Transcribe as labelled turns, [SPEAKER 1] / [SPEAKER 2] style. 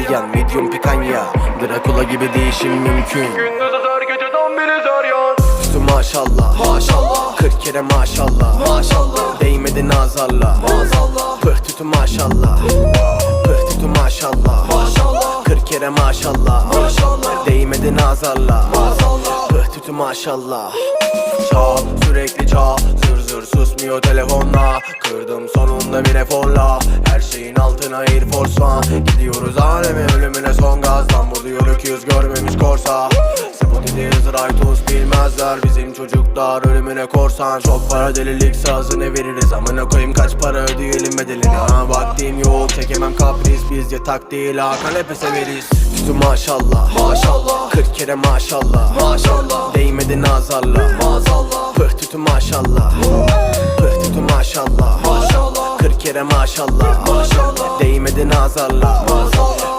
[SPEAKER 1] İtalyan, medium pikanya, Dracula gibi değişim mümkün.
[SPEAKER 2] Gündüz azar geceden beri zaryan.
[SPEAKER 1] Üstü maşallah,
[SPEAKER 2] Maşallah
[SPEAKER 1] 40 kere maşallah,
[SPEAKER 2] maşallah
[SPEAKER 1] değmedi nazarla.
[SPEAKER 2] maazallah
[SPEAKER 1] Pıh tütü maşallah, pıh tütü maşallah,
[SPEAKER 2] maşallah
[SPEAKER 1] 40 kere maşallah,
[SPEAKER 2] maşallah
[SPEAKER 1] değmedi nazarla.
[SPEAKER 2] maazallah
[SPEAKER 1] Pıh tütü maşallah. Çal sürekli çal, zır zır susmuyor telefonla. Kırdım sonunda bir eforla, her şeyin altına Air Force One. Gidiyoruz aleme ölümüne son gazdan, vuruyor öküz görmemiş korsa. Spotideyiz Raytos bilmezler, bizim çocuklar ölümüne korsan. Çok para delilik sazını veririz, amına koyayım kaç para ödeyelim bedelini. Ha vaktim yok çekemem kapris, biz yatak değil ha kanepe severiz. Tütü maşallah,
[SPEAKER 2] maşallah
[SPEAKER 1] 40 kere maşallah,
[SPEAKER 2] maşallah
[SPEAKER 1] değmedi nazarla.
[SPEAKER 2] maazallah
[SPEAKER 1] Pıh tütü maşallah, pıh tütü maşallah,
[SPEAKER 2] maşallah
[SPEAKER 1] 40 kere maşallah,
[SPEAKER 2] maşallah
[SPEAKER 1] değmedi nazarla.